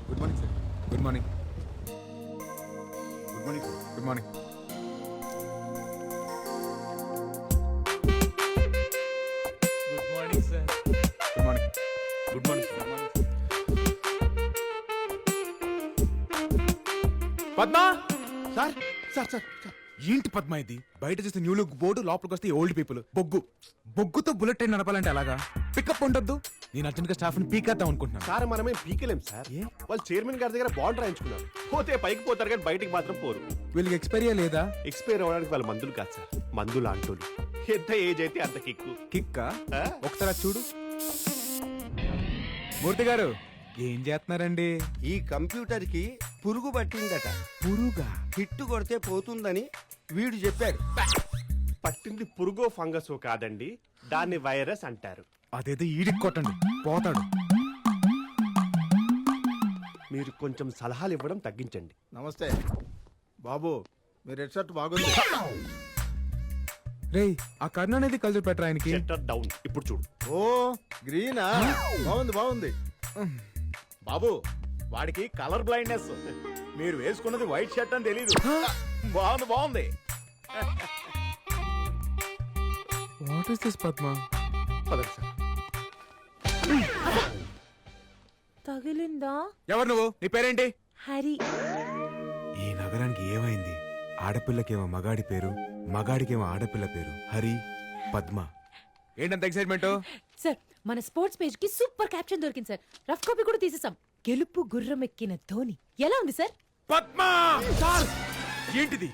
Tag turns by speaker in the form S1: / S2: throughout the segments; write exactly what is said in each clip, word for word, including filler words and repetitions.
S1: Good morning sir. Good morning. Good morning sir. Good morning.
S2: Good morning sir.
S1: Good morning. Good morning sir. Padma
S3: sir sir sir sir
S1: ఏంటి పద్మా ఇది? బయట చూస్తే new look board, లోపలికి వస్తే old people. బొగ్గు బొగ్గుతో bullet train నడపాలంటే అలాగా? Pickup ఉండొద్దు. నేను అర్జెంట్ గా స్టాఫ్ ని పీకేద్దాం అనుకుంటున్నాను.
S3: సార్ మనమేం పీకలేం సార్. వాళ్ళు చైర్మన్ గారి దగ్గర బాండ్ రాయించుకున్నారు. పోతే పైకి పోతారు కానీ బయటికి మాత్రం పోరు.
S1: వీళ్ళకి ఎక్స్పైరియా లేదా?
S3: ఎక్స్పైర్ అవ్వడానికి వాళ్ళ మందులు కాదు సార్, మందులు అంటోళ్ళు. ఎంత ఏజ్ అయితే అంత కిక్కు.
S1: కిక్కా? ఒకసారి చూడు. మూర్తి గారు ఏం చేస్తున్నారండి?
S4: ఈ కంప్యూటర్ కి పురుగు పట్టిందట.
S1: పురుగా?
S4: హిట్టు కొడితే పోతుందని వీడు చెప్పాడు.
S3: పట్టింది పురుగో ఫంగసో కాదండి, దాన్ని వైరస్ అంటారు.
S1: అదేదో ఈడికి కొట్టండి, పోతాడు.
S3: మీరు కొంచెం సలహాలు ఇవ్వడం తగ్గించండి.
S5: నమస్తే బాబు, మీ రెడ్ షర్ట్ బాగుంది.
S1: రేయ్ ఆ కర్ణ అనేది కల్చర్ పెట్టరా ఆయనకి.
S3: Shutter down. ఇప్పుడు చూడు.
S5: ఓ గ్రీనా, బాగుంది బాగుంది. బాబు వాడికి కలర్ బ్లైండ్నెస్. మీరు వేసుకున్నది వైట్ షర్ట్ అని తెలీదు. బాగుంది బాగుంది.
S1: What is this Padma?
S3: పదండి సార్.
S6: తగిలిందా?
S1: ఎవరు నువ్వు? నీ పేరేంటి?
S6: హరి.
S1: ఈ నగరానికి ఏమైంది? ఆడపిల్లకేమో మగాడి పేరు, మగాడికేమో ఆడపిల్ల పేరు. హరి, పద్మ. ఏంటంత ఎక్సైట్మెంట్?
S6: సార్ మన స్పోర్ట్స్ పేజ్ కి సూపర్ క్యాప్షన్ దొరికింది సార్. రఫ్ కాపీ కూడా తీసేసాం. గెలుపు గుర్రం ఎక్కిన ధోని. ఎలా ఉంది సార్?
S1: పద్మ సార్ ఏంటిది?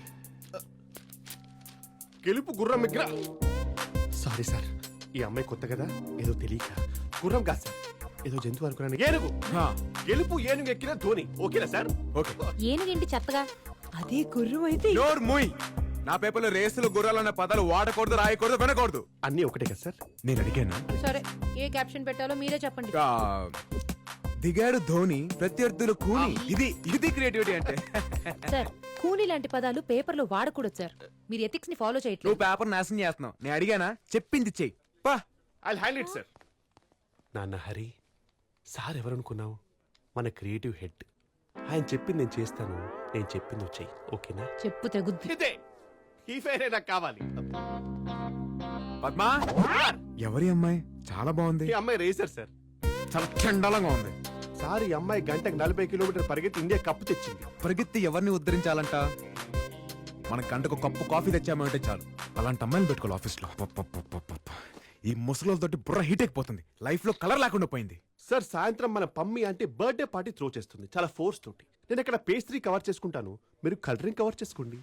S3: గెలుపు గుర్రం ఎగ్ర. సారీ సార్, ఈ అమ్మాయి కొత్త కదా, ఏదో తెలియక గుర్రం కాదు సార్, ఏదో జంతువు అనుకున్నాను. ఏనుగు. గెలుపు ఏనుగు ఎక్కిన ధోని. ఓకేనా సార్?
S1: ఓకే.
S6: ఏనుగేంటి చెత్తగా? అదే గుర్రం అయితే.
S1: నోర్ మూయ్. నా పేపర్లో రేసులు గుర్రాలు అన్న పదాలు వాడకూడదు, రాయకూడదు, వినకూడదు.
S3: అన్నీ ఒకటే కదా సార్?
S1: నేను అడిగాను.
S6: సరే ఏ క్యాప్షన్ పెట్టాలో మీరే చెప్పండి.
S1: ఆ, దిగాడు ధోని, ప్రత్యర్థులు కూని. ఇది ఇది క్రియేటివిటీ అంటే.
S6: సార్ కూని లాంటి పదాలు పేపర్ లో వాడకూడదు సార్. మీరు ఎథిక్స్ ని ఫాలో చేయట్లేదు.
S1: నువ్వు పేపర్ నాశనం చేస్తున్నావు. నేను అడిగానా? చెప్పింది చెయ్యి. పా.
S3: I hand it sir. నాన్న హరి, సార్ ఎవరనుకున్నావు? మన క్రియేటివ్ హెడ్. ఆయన చెప్పింది నేను చేస్తాను, నేను చెప్పింది నువ్వు చెయ్యి. ఓకేనా?
S6: చెప్పు తెగుద్ది.
S3: ఇదే ఈ ఫేరే నాకు కావాలి.
S1: పద్మా, ఎవరి అమ్మాయి? చాలా బాగుంది.
S3: ఈ అమ్మాయి రేసర్ సార్.
S1: చాలా చండాలంగా ఉంది.
S3: సార్ ఈ అమ్మాయి గంటకు నలభై కిలోమీటర్ పరిగెత్తి ఇండియా కప్పు తెచ్చింది.
S1: పరిగెత్తి ఎవరిని ఉద్ధరించాలంట? మన గంటకు కప్పు కాఫీ తెచ్చామంటే చాలు. అలాంటి అమ్మాయిని పెట్టుకోవాలి ఆఫీస్ లో. ఈ ముసలోళ్ళతోటి బుర్ర హీట్ అయిపోతుంది. లైఫ్ లో కలర్ లేకుండా పోయింది.
S3: సార్ సాయంత్రం మన పమ్మి అంటే బర్త్డే పార్టీ త్రో చేస్తుంది, చాలా ఫోర్స్ తోటి. నేను ఇక్కడ పేస్ట్రీ కవర్ చేసుకుంటాను, మీరు కలరింగ్ కవర్ చేసుకోండి.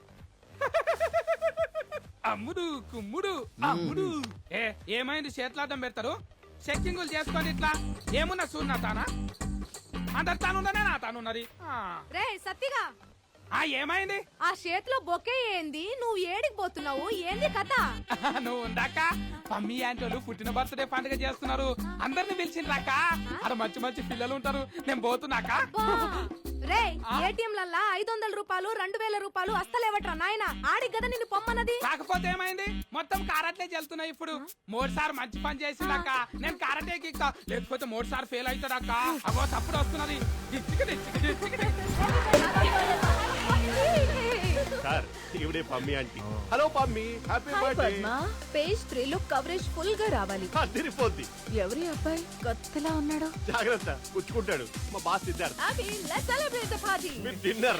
S2: అమ్ముడు కుమ్ముడు అమ్ముడు. ఏ ఏమైంది? చేతులాటం పెడతారు, చెక్కింగులు చేసుకోండి. ఇట్లా ఏమున్నా చూడనా తానా? అందరు తానున్నదే నా తానున్నది.
S7: రే సత్తిగా,
S2: ఆ ఏమైంది?
S7: ఆ చేతిలో బొకే ఏంది? నువ్వు ఏడికి పోతున్నావు? ఏంది కథ?
S2: నువ్వు ఉందాక మమ్మీ ఆంటోలు పుట్టిన బర్త్డే పండుగ చేస్తున్నారు, అందరిని పిలిచిండ్రాక. అక్కడ మంచి మంచి పిల్లలు ఉంటారు, నేను పోతున్నాక.
S7: రే ఏటీఎంలల్లా ఐదు వందల రూపాయలు రెండు వేల రూపాయలు అస్తలేవట్రా నాయన. ఆడికి కదా నిన్ను పొమ్మన్నది.
S2: కాకపోతే ఏమైంది? మొత్తం కారట్లే చెల్తున్నాయి ఇప్పుడు. మూడు సార్ మంచి పని చేసిందాక నేను కారటే కిక్కా, లేకపోతే మూడు సార్ ఫెయిల్ అవుతాడక్క. అవో తప్పుడు వస్తున్నది.
S3: సార్ ఇవిడే Pammi aunty. Hello Pammi, happy birthday.
S7: Page three లో కవరేజ్ ఫుల్ గా రావాలి.
S3: తిరిగిపోద్ది.
S7: ఎవరి అబ్బాయి కొత్తలా ఉన్నాడు?
S3: జాగ్రత్త, పుచ్చుకుంటాడు. మా బాస్ సిద్ధార్థ్.
S7: అభి let's celebrate the party.
S3: With dinner.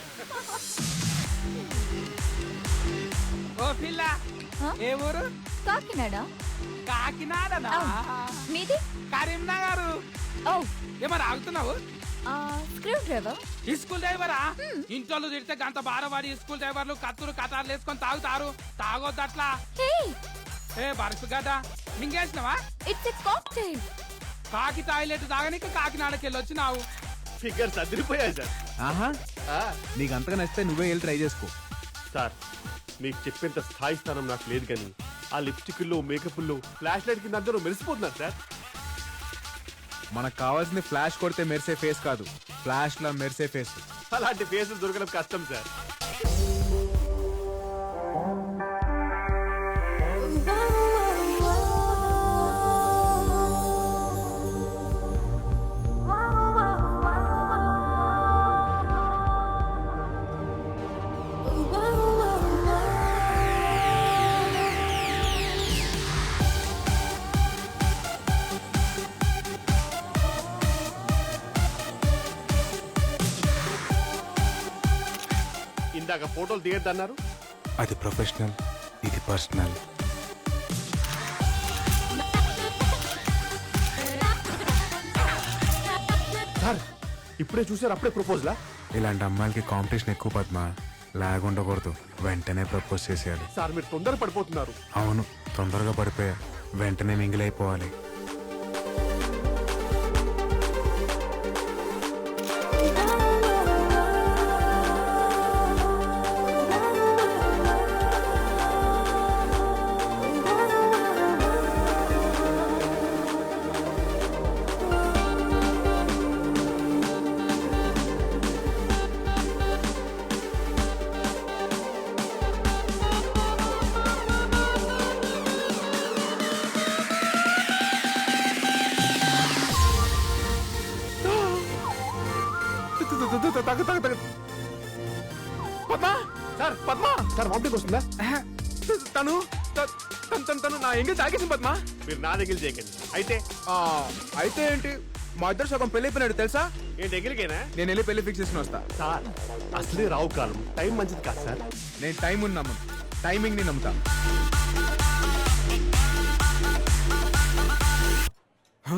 S2: ఓ పిల్ల, ఏ ఊరు?
S7: కాకినాడ.
S2: కాకినాడనా?
S7: మీది?
S2: కరీంనగర్.
S7: ఓ
S2: ఏమన్నా ఆగుతున్నావు?
S7: Screwdriver.
S2: ఈ స్కూల్ డ్రైవరా? ఇంట్లో తిడితే గంట బారవాడి స్కూల్ డ్రైవర్లు కత్తులు కటార్లు వేసుకొని తాగుతారు. తాగొద్దు అట్లా. ఏ బరుసు కదా మింగేసినవా?
S7: It's a cocktail.
S2: కాకి టాయిలెట్ తాగనీకి కాకినాడకి వెళ్ళి వచ్చినావు.
S3: ఫిగర్స్ అదిరిపోయాయి సార్.
S1: ఆహా, నీకు అంతగా నచ్చితే నువ్వే వెళ్ళి ట్రై చేసుకో.
S3: సార్ మీకు చెప్పేంత స్థాయి స్థానం నాకు లేదు, కానీ ఆ లిప్స్టిక్లో మేకప్లో ఫ్లాష్ లైట్ కింద అందరూ మెరిసిపోతున్నారు సార్.
S1: మనకు కావాల్సింది ఫ్లాష్ కొడితే మెరిసే ఫేస్ కాదు, ఫ్లాష్ లా మెరిసే ఫేస్.
S3: అలాంటి ఫేసులు దొరకడం కష్టం సార్. ఇందాక ఫోటోలు దిగద్దన్నారు.
S1: అది ప్రొఫెషనల్, ఇది పర్సనల్.
S3: సార్ ఇప్పుడే చూసారు, అప్పుడే ప్రపోజలా?
S1: ఇలాంటి అమ్మాయిలకి కాంపిటీషన్ ఎక్కువ పద్మ. లాగ్ ఉండకూడదు, వెంటనే ప్రపోజ్ చేసేయాలి.
S3: సార్ మీరు తొందర పడిపోతున్నారు.
S1: అవును, తొందరగా పడిపోయా, వెంటనే మింగిలైపోవాలి.
S3: తగ్గ తగ్గ తగ్గ Padma sir, Padma sir vomiting వస్తుందా?
S1: తను త- తను తను తను నా ఎంగేజ్ ఆగేసింది పద్మ.
S3: మీరు నా దగ్గర చేయకండి. అయితే
S1: ఆ, అయితే ఏంటి, మా ఇద్దరు సగం పెళ్లి అయిపోయినాడు తెలుసా.
S3: ఏంటి దగ్గరికేనా?
S1: నేను వెళ్ళి పెళ్లి ఫిక్స్ చేసుకుని వస్తా.
S3: సార్ అసలే రావు కాలం, టైం మంచిది కాదు సార్.
S1: నేను టైం ఉన్నాము, టైమింగ్ ని నమ్ముతా. హ?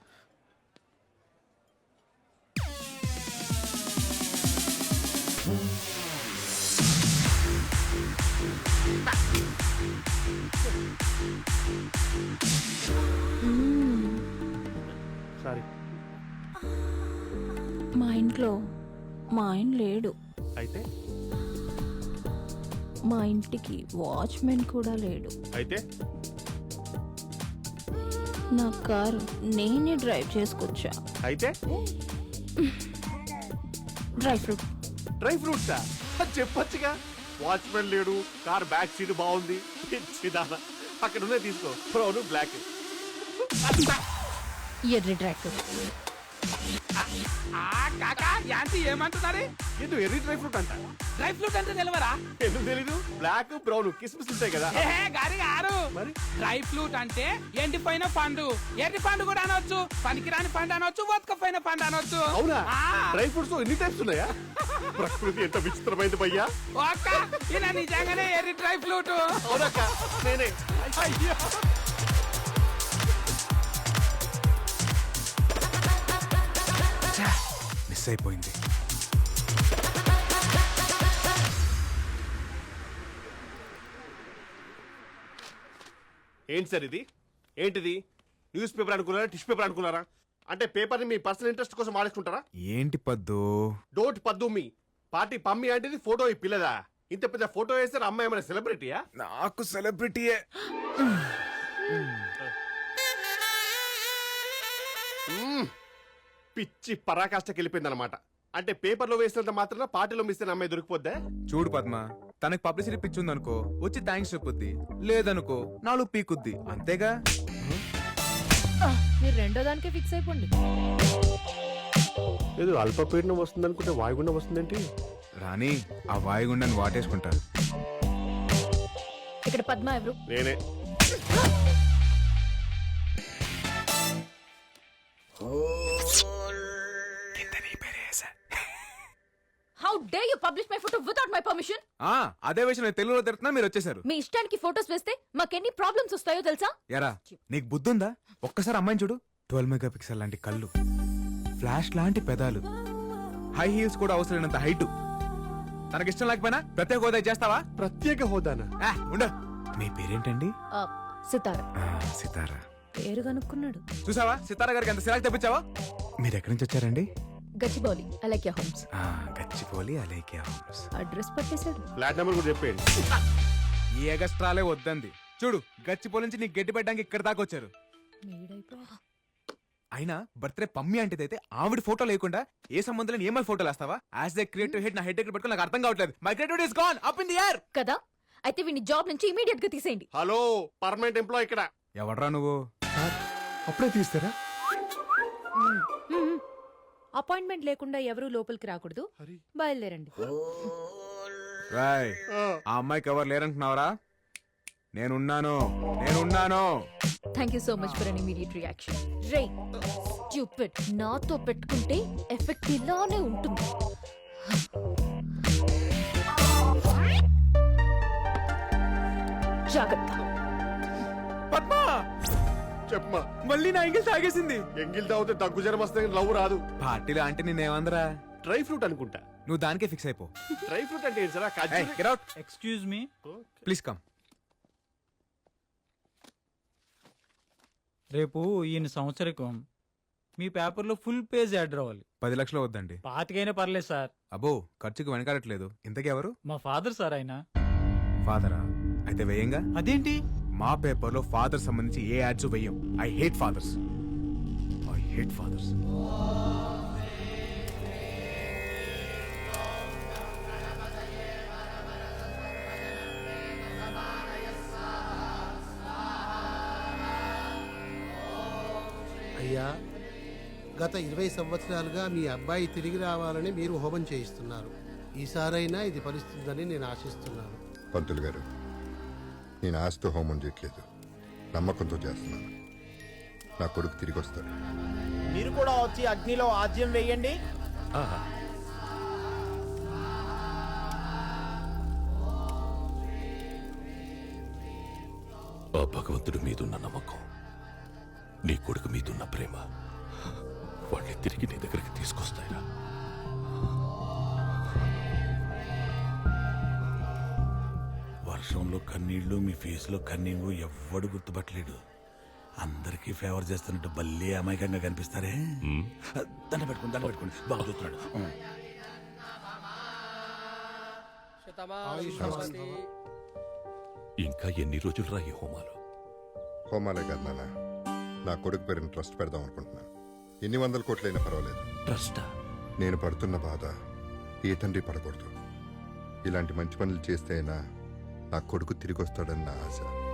S3: సారీ.
S8: మా ఇంట్లో మా ఆయన లేడు.
S3: అయితే
S8: మా ఇంటికి వాచ్మెన్ కూడా లేడు.
S3: అయితే
S8: నా కారు నేనే డ్రైవ్ చేసుకొచ్చా.
S3: అయితే
S8: డ్రై ఫ్రూట్.
S3: డ్రై ఫ్రూట్సా? అది చెప్పొచ్చుగా. వాచ్మెన్ లేడు, కార్ బ్యాక్ సీట్ బాగుంది. పిచ్చిదానా, అక్కడ ఉన్నాయి తీసుకో. Brown black.
S8: ఎర్రి డ్రై ఫ్రూట్.
S2: ఆ కాకా యాంటీ ఏమంటున్నారు?
S3: ఏంటో ఎర్రీ డ్రై ఫ్రూట్ అంట.
S2: డ్రై ఫ్రూట్ అంటే తెలియరా?
S3: ఎందుకు తెలీదు? బ్లాక్ బ్రౌన్ కిస్మిస్ ఉంటాయి కదా.
S2: ఏ గారి గారు,
S3: మరి
S2: డ్రై ఫ్రూట్ అంటే ఎండిపోయిన పండు. ఎర్రి పండు కూడా అనొచ్చు, పనికిరాని పండు అనొచ్చు, బతకపోయిన పండు అనొచ్చు.
S3: అవునా?
S2: ఆ.
S3: డ్రై ఫ్రూట్స్ ఎన్ని టైప్స్ ఉన్నాయా? ప్రకృతి ఎంత విచిత్రమైంది భయ్యా.
S2: ఓ అక్క, ఈయన నిజంగానే ఎర్రి డ్రై ఫ్రూట్.
S3: అవునక్క, నేనే. అయ్యో.
S1: మిస్ అయిపోయింది.
S3: ఏంటి సార్ ఇది? ఏంటిది? న్యూస్ పేపర్ అనుకున్నారా, టిష్యూ పేపర్ అనుకున్నారా? అంటే పేపర్ని మీ పర్సనల్ ఇంట్రెస్ట్ కోసం వాడేసుకుంటారా?
S1: ఏంటి పద్దు?
S3: డోంట్ పద్దు మీ పార్టీ పమ్మి అంటే ఫోటో ఈ పిల్లదా? ఇంత పెద్ద ఫోటో వేస్తే అమ్మాయి ఏమైనా సెలబ్రిటీయా?
S1: నాకు సెలబ్రిటీయే.
S3: మ్మ్. పిచ్చి పరాకాష్ఠకి వెళ్ళిపోయింది అనమాట. అంటే పేపర్లో వేసినంత మాత్రాన పార్టీలో మిస్ అయిన అమ్మాయి దొరికిపోద్దా?
S1: చూడు పద్మ, తనకి పబ్లిసిటీ పిచ్చి ఉందనుకో వచ్చి థ్యాంక్స్ చెప్పుద్ది, లేదనుకో నాలుగు పీకుద్ది, అంతేగా.
S6: మీరు రెండో దానికే ఫిక్స్ అయిపోండి.
S3: ఏదో అల్పపీడనం వస్తుంది అనుకుంటే వాయుగుండం వస్తుందేంటి?
S1: రాణి, ఆ వాయుగుండాన్ని వాటేసుకుంటారు.
S6: ఇక్కడ పద్మ ఎవరు?
S3: నేనే.
S8: How dare you publish my photo without my permission?
S1: ఆ అదే విషయం నేను తెలుగులో తిడుతున్నా, మీరు వచ్చేసారు.
S8: మీ ఇష్టానికి ఫోటోస్ వేస్తే మాకెన్ని ప్రాబ్లమ్స్ వస్తాయో తెలుసా?
S1: ఎరా, నీకు బుద్ధుందా? ఒక్కసారి అమ్మాయిని చూడు. ట్వెల్వ్ మెగా పిక్సెల్ లాంటి కళ్ళు, ఫ్లాష్ లాంటి పెదాలు, హై హీల్స్ కూడా అవసరమైనంత హైట్. తనకి ఇష్టం లేకపోయినా ప్రత్యేక హోదా చేస్తావా?
S3: ప్రత్యేక హోదానా?
S1: ఆ, ఉండు. మీ పేరేంటండి?
S6: సితార.
S1: ఆ, సితారా.
S6: పేరు కనుక్కున్నాడు.
S1: చూసావా సితారా గారికి ఎంత సిరాకు తెప్పించావా? మీరు ఎక్కడి నుంచి వచ్చారండి?
S6: గచ్చిబౌలి అలైక్య హోమ్స్.
S1: ఆ, గచ్చిపోలి అలేఖ్య హోమ్స్.
S6: అడ్రస్ పట్టేశాడు.
S3: ఫ్లాట్ నెంబర్ కూడా చెప్పేయండి.
S1: ఈ ఎగస్ట్రాలే వద్దంది. చూడు, గచ్చిపోలి నుంచి నీకు గట్టి పెట్టడానికి ఇక్కడ దాకా వచ్చారు. అయినా బర్త్డే పమ్మి అంటే అయితే ఆవిడ ఫోటో లేకుండా ఏ సంబంధం లేని ఏమై ఫోటోలు వేస్తావా? యాజ్ ఏ క్రియేటివ్ హెడ్ నా హెడ్ దగ్గర పెట్టుకుని నాకు అర్థం కావట్లేదు. My creativity is gone up in the air.
S8: కదా, అయితే వీని జాబ్ నుంచి ఇమీడియట్ గా తీసేయండి.
S3: హలో, పర్మనెంట్ ఎంప్లాయ్ ఇక్కడ.
S1: ఎవడ్రా నువ్వు?
S3: అప్పుడే తీస్తారా?
S6: అపాయింట్మెంట్ లేకుండా ఎవరూ లోపలికి రాకూడదు. బయలుదేరండి.
S1: రాయ్, ఆ అమ్మాయికి ఎవరు లేరంటున్నావరా? నేనున్నాను, నేనున్నాను.
S8: Thank you so much for an immediate reaction. రే స్టూపిడ్, నాతో పెట్టుకుంటే ఎఫెక్ట్ ఇలానే ఉంటుంది. జాగ్రత్త.
S1: పద్మా
S3: చెప్పమా.
S1: మళ్ళీ నా ఎంగిల్ తాగేసింది.
S3: ఎంగిల్ తాగితే దగ్గు జ్వరం వస్తే లవ్ రాదు.
S1: పార్టీలో అంటే నేనేమందరా?
S3: డ్రై ఫ్రూట్ అనుకుంటా.
S1: నువ్వు దానికే ఫిక్స్ అయిపో.
S3: డ్రై ఫ్రూట్ అంటే ఏంటి సార్? ఖర్జూరం.
S1: Get out.
S9: Excuse me,
S1: please come.
S9: రేపు ఈయన సంవత్సరికం, మీ పేపర్లో ఫుల్ పేజ్ యాడ్ రావాలి.
S1: పది లక్షలు వద్దండి.
S9: పాతికైనా పర్లేదు సార్.
S1: అబ్బో ఖర్చుకు వెనకాడట్లేదు. ఇంతకీ ఎవరు?
S9: మా ఫాదర్ సార్ ఆయన.
S1: ఫాదరా? అయితే వేయంగా.
S9: అదేంటి?
S1: మా పేపర్లో ఫాదర్ సంబంధించి ఏ యాడ్స్ వెయ్యం. I hate fathers. I hate fathers.
S10: అయ్యా, గత ఇరవై సంవత్సరాలుగా మీ అబ్బాయి తిరిగి రావాలని మీరు హోమం చేయిస్తున్నారు. ఈసారైనా ఇది ఫలిస్తుందని నేను ఆశిస్తున్నాను.
S11: పంతులు గారు, నేను ఆస్తి హోమం చేయట్లేదు, నమ్మకంతో చేస్తున్నాను. నా కొడుకు తిరిగి వస్తాడు.
S5: మీరు కూడా వచ్చి అగ్నిలో ఆజ్యం వేయండి.
S12: ఆ భగవంతుడి మీదున్న నమ్మకం, నీ కొడుకు మీదున్న ప్రేమ వాడిని తిరిగి నీ దగ్గరికి తీసుకొస్తాయిరా.
S13: వర్షంలో కన్నీళ్లు, మీ ఫేస్ లో కన్నీళ్లు ఎవ్వడు గుర్తుపట్టలేడు. అందరికీ ఫేవర్ చేస్తున్నట్టు భలే అమాయకంగా కనిపిస్తారే. దండ పెట్టుకుని దండ పెట్టుకుని బాగా చూస్తున్నాడు.
S12: ఇంకా ఎన్ని రోజులు రా ఈ హోమాలు?
S11: హోమాలే కాదు నాన్న, నా కొడుకు పేరుని ట్రస్ట్ పెడదాం అనుకుంటున్నాను. ఎన్ని వందల కోట్లైనా పర్వాలేదు.
S12: ట్రస్టా?
S11: నేను పడుతున్న బాధ ఏ తండ్రి పడకూడదు. ఇలాంటి మంచి పనులు చేస్తే అయినా నా కొడుకు తిరిగి వస్తాడని నా ఆశ.